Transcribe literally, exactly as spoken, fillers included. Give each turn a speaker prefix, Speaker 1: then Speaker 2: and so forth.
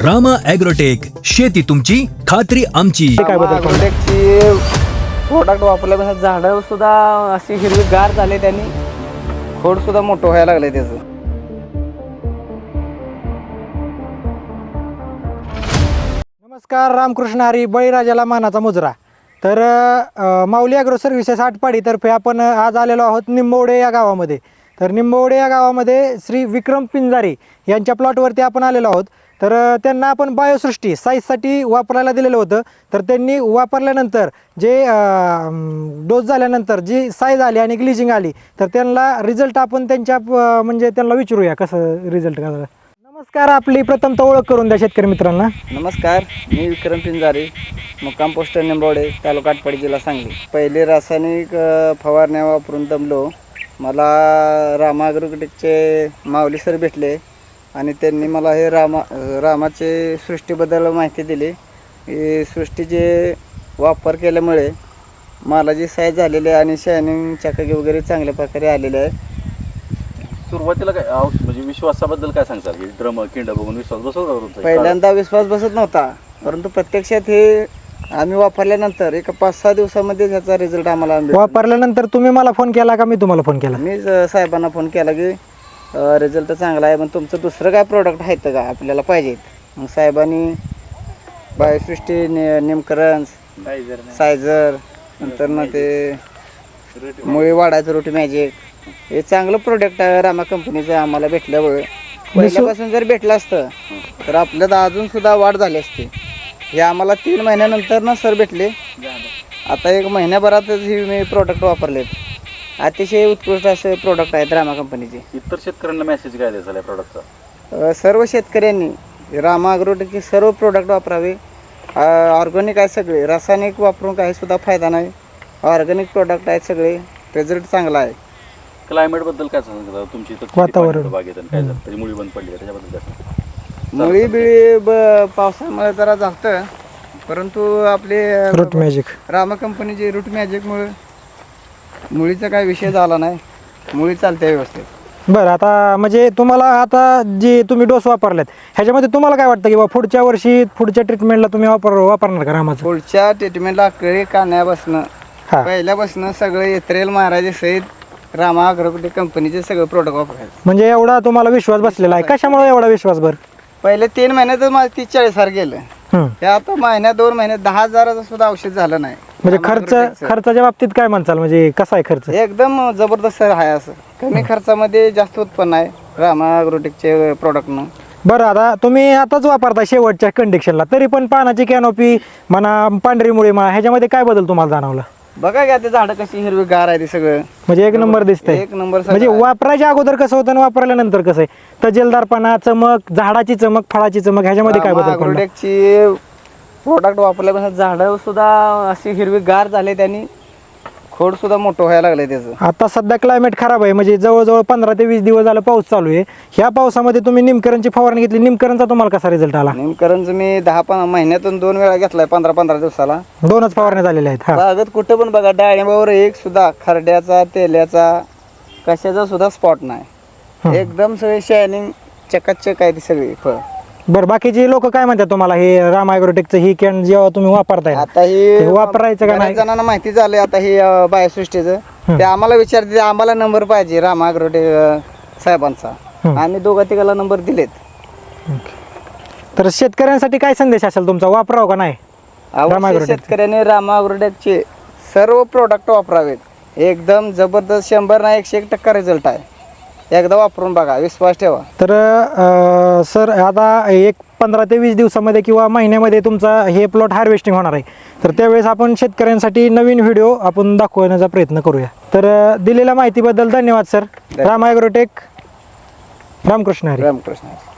Speaker 1: Rama agrotech, शेती तुमची खात्री आमची.
Speaker 2: काय बदल
Speaker 3: ॲग्रोटेकची प्रोडक्ट वापरल्यापासून झाडं सुद्धा अशी हिरवीगार झाले, त्यांनी खोड सुद्धा मोठं व्हायला लागले त्याचं.
Speaker 2: नमस्कार, रामकृष्ण हरी, बळीराजाला मानाचा मुजरा. तर अ, माऊली ॲग्रो सर्व्हिसेस आटपाडीतर्फे आपण आज आलेलो आहोत निंबवडे या गावामध्ये. तर निंबवडे या गावामध्ये श्री विक्रम पिंजारे यांच्या प्लॉटवरती आपण आलेलो आहोत. तर अ, त्यांना आपण बायोसृष्टी साईजसाठी वापरायला दिलेलं होतं. तर त्यांनी वापरल्यानंतर जे डोस झाल्यानंतर जी साईज आली आणि ग्लिजिंग आली, तर त्यांना रिझल्ट आपण त्यांच्या अ, म्हणजे त्यांना विचारूया कसं रिझल्ट का. नमस्कार, आपली प्रथमतः ओळख करून द्या शेतकरी मित्रांना.
Speaker 3: नमस्कार, मी विक्रम पिंजारे, मुक्काम पोस्ट निंबवडे, तालुका आटपाडी, जिल्हा सांगली. पहिले रासायनिक अ, फवारण्या वापरून दमलो. मला रामा ॲग्रोटेकचे माऊली सर भेटले आणि त्यांनी मला हे रामा रामाचे सृष्टीबद्दल माहिती दिली. ही सृष्टीचे वापर केल्यामुळे मालाची साईज झालेली आहे आणि शायनिंग चकाकी वगैरे चांगल्या प्रकारे आलेले आहे.
Speaker 4: सुरुवातीला काय आव- म्हणजे विश्वासाबद्दल काय सांगताल की ड्रम किंड बघून विश्वास बसवला तुमचा?
Speaker 3: पहिल्यांदा विश्वास बसत नव्हता, परंतु प्रत्यक्षात हे आम्ही वापरल्यानंतर एक पाच सहा दिवसामध्ये त्याचा रिझल्ट आम्हाला भेटला.
Speaker 2: वापरल्यानंतर तुम्ही मला फोन केला का मी तुम्हाला फोन केला?
Speaker 3: मी ज- साहेबांना फोन केला की रिझल्ट चांगला आहे, पण तुमचं दुसरं काय प्रोडक्ट आहेत का आपल्याला पाहिजेत. मग साहेबांनी बायोसृष्टी, नि निमकरंज, सायझर, नंतर ना ते मुळी वाढायचं रोटी मॅजिक, हे चांगलं प्रोडक्ट आहे रामा कंपनीचं आम्हाला भेटल्यामुळे. पहिल्यापासून जर भेटलं असतं तर आपल्याला अजून सुद्धा वाढ झाली असती. हे आम्हाला तीन महिन्यानंतर ना सर भेटले. आता एक महिन्याभरातच ही मी प्रोडक्ट वापरलेत. अतिशय उत्कृष्ट असे प्रोडक्ट आहेत रामा कंपनीचे.
Speaker 4: इतर शेतकऱ्यांना मेसेज काय द्यायचा या प्रॉडक्टचा?
Speaker 3: अ, सर्व शेतकऱ्यांनी रामा ॲग्रोटेकचे सर्व प्रोडक्ट वापरावे. ऑर्गॅनिक आहे सगळे, रासायनिक वापरून काही सुद्धा फायदा नाही. ऑर्गॅनिक प्रोडक्ट आहेत सगळे, रिझल्ट चांगला आहे.
Speaker 4: क्लायमेट बद्दल काय सांगता तुमची इथं?
Speaker 2: वातावरण.
Speaker 4: बागेत आणि काय झालं त्याची मुळी बंद पडली का? त्याच्याबद्दल काय सांगता?
Speaker 3: मुळी बिळी ब पावसामुळे जरा झालं, परंतु आपले
Speaker 2: रूट मॅजिक
Speaker 3: रामा कंपनीचे रूट मॅजिकमुळे मुळीचा काय विषय झाला नाही. मुळी चालते व्यवस्थित.
Speaker 2: बरं. आता म्हणजे तुम्हाला आता जे तुम्ही डोस वापरलेत ह्याच्यामध्ये तुम्हाला काय वाटतं की बा पुढच्या वर्षी पुढच्या ट्रीटमेंटला तुम्ही वापर वापरणार का रामाचं?
Speaker 3: पुढच्या ट्रीटमेंटला कळी काढण्यापासून
Speaker 2: हा.
Speaker 3: पहिल्यापासून सगळे येत्रेल महाराजे सहित रामा ॲग्रोटेक कंपनीचे सगळे प्रोडक्ट वापरायचे.
Speaker 2: म्हणजे एवढा तुम्हाला विश्वास बसलेला आहे. कशामुळे एवढा विश्वास? बरं,
Speaker 3: पहिले तीन महिन्यातच माझं तीस चाळीस हजार गेलं.
Speaker 2: हम्म.
Speaker 3: हे आता महिन्यात दोन महिन्यात दहा हजाराचं सुद्धा औषध झालं नाही.
Speaker 2: म्हणजे
Speaker 3: रामा
Speaker 2: खर्च
Speaker 3: ॲग्रोटेकचं.
Speaker 2: खर्चाच्या बाबतीत काय म्हणचाल? म्हणजे कसा आहे खर्च?
Speaker 3: एकदम जबरदस्त आहे. असं कमी खर्चामध्ये जास्त उत्पन्न आहे रामा ॲग्रोटेकचे प्रोडक्टनं.
Speaker 2: बरं, आता तुम्ही आताच वापरता शेवटच्या कंडिशनला, तरी पण पानाची कॅनोपी म्हणा, पांढरी मुळी म्हणा, ह्याच्यामध्ये काय बदल तुम्हाला जाणवला?
Speaker 3: बघा का ते झाडं कशी हिरवी गार आहे, ते सगळं
Speaker 2: म्हणजे एक नंबर दिसतंय.
Speaker 3: एक नंबर सगळं
Speaker 2: म्हणजे
Speaker 3: आहे.
Speaker 2: वापरायच्या अगोदर कसं होतं आणि वापरल्यानंतर कसं आहे? तजेलदारपणा, चमक, झाडाची चमक, फळाची चमक, ह्याच्यामध्ये काय
Speaker 3: रामा
Speaker 2: बदल पडला?
Speaker 3: ॲग्रोटेकची प्रोडक्ट वापरल्यापासून झाडं सुद्धा अशी हिरवी गार झाले, त्यांनी खोड सुद्धा मोठं व्हायला लागले त्याचं.
Speaker 2: आता सध्या क्लायमेट खराब आहे, म्हणजे जवळजवळ पंधरा ते वीस दिवस झालं पाऊस चालू आहे. ह्या पावसामध्ये तुम्ही निमकरणची फवारणी घेतली, निमकरणचा तुम्हाला कसा रिझल्ट आला?
Speaker 3: निमकरंज मी दहा पण महिन्यातून दोन वेळा घेतलाय, पंधरा पंधरा दिवसाला.
Speaker 2: दोनच फवारण्या झालेल्या आहेत. हा.
Speaker 3: बागेत कुठं पण बघा, डाळिंबावर एक सुद्धा खरड्याचा, तेल्याचा, कशाचा सुद्धा स्पॉट नाही. एकदम सगळे शायनिंग चकाचक आहे ती सगळी फळ.
Speaker 2: बरं, बाकीचे लोक काय म्हणतात तुम्हाला हे रामा ॲग्रोटेकचं ही कॅन जेव्हा तुम्ही वापरताय
Speaker 3: आता
Speaker 2: ते
Speaker 3: ही
Speaker 2: वापरायचं का नाही?
Speaker 3: बऱ्याच जणांना माहिती झालंय आता हे अं, बायोसृष्टीचं. ते आम्हाला विचारते, आम्हाला नंबर पाहिजे रामा ॲग्रोटेक अं, साहेबांचा. आम्ही दोघा तिघाला नंबर दिलेत.
Speaker 2: तर शेतकऱ्यांसाठी काय संदेश असेल तुमचा? वापराव का नाही रामा
Speaker 3: अवश्य
Speaker 2: ॲग्रोटेक?
Speaker 3: शेतकऱ्यांनी रामा ॲग्रोटेकचे सर्व प्रोडक्ट वापरावेत. एकदम जबरदस्त, शंभर ना एकशे एक टक्का रिझल्ट आहे. एकदा वापरून बघा, विश्वास ठेवा.
Speaker 2: तर अं, सर आता एक पंधरा ते वीस दिवसामध्ये किंवा महिन्यामध्ये तुमचा हे प्लॉट हार्वेस्टिंग होणार आहे. तर त्यावेळेस आपण शेतकऱ्यांसाठी नवीन व्हिडिओ आपण दाखवण्याचा प्रयत्न करूया. तर अं, दिलेल्या माहितीबद्दल धन्यवाद सर. रामा ॲग्रोटेक, रामकृष्ण हरी.
Speaker 3: रामकृष्ण.